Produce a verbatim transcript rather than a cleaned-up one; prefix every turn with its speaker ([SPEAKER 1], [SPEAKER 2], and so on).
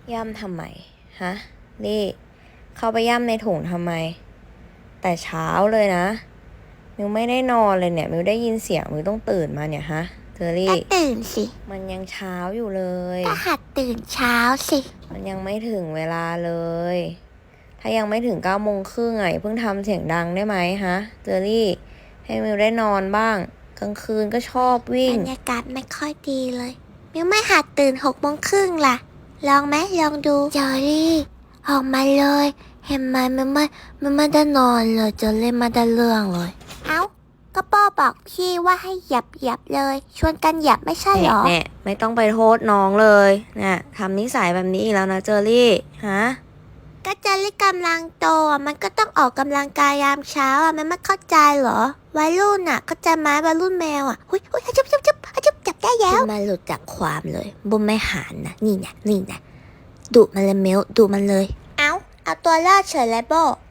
[SPEAKER 1] ย่ำทำไมฮะลี่เข้าไปย่ำในถุงทำไมแต่เช้าเลยนะมิวไม่ได้นอนเลยเนี่ยมิวได้ยินเสียงมิวต้องตื่นมาเนี่ยฮะเทอรี่
[SPEAKER 2] ก็ตื่นสิ
[SPEAKER 1] มันยังเช้าอยู่เลย
[SPEAKER 2] ก็หัดตื่นเช้าสิ
[SPEAKER 1] มันยังไม่ถึงเวลาเลยถ้ายังไม่ถึงเก้าโมงครึ่งไงเพิ่งทำเสียงดังได้ไหมฮะเทอรี่ให้มิวได้นอนบ้างกลางคืนก็ชอบวิ่ง
[SPEAKER 2] บรรยากาศไม่ค่อยดีเลยมิวไม่หัดตื่นหกโมงครึ่งล่ะลองไหมลองดูจอรี่ออกมาเลยเห็นไหมมันไม่มันไม่ได้นอนเลยจอรี่ไม่ได้เรื่องเลยเอ้าก็ป้อบอกพี่ว่าให้หยับหยับเลยชวนกันหยับไม่ใช่หรอ
[SPEAKER 1] เนี่ยไม่ต้องไปโทษน้องเลยเนี่ยทำนิสัยแบบนี้อีกแล้วนะเจอรี่ฮะ
[SPEAKER 2] ก็จอรี่กำลังโตมันก็ต้องออกกำลังกายยามเช้าอ่ะมันไม่เข้าใจเหรอวัยรุ่นอ่ะเข้าใจไหมวัยรุ่นแมวอ่ะหุ้ยหุ้ยจุ๊บจุ๊บจุ๊บจุ๊บจับได้แล้วมาหลุดจากความเลยบุ้มไม่หานนะนี่นะนี่นะดุมันเลยเมลดุมันเลยเอ้าเอาตัวรอดเฉยเลยโบ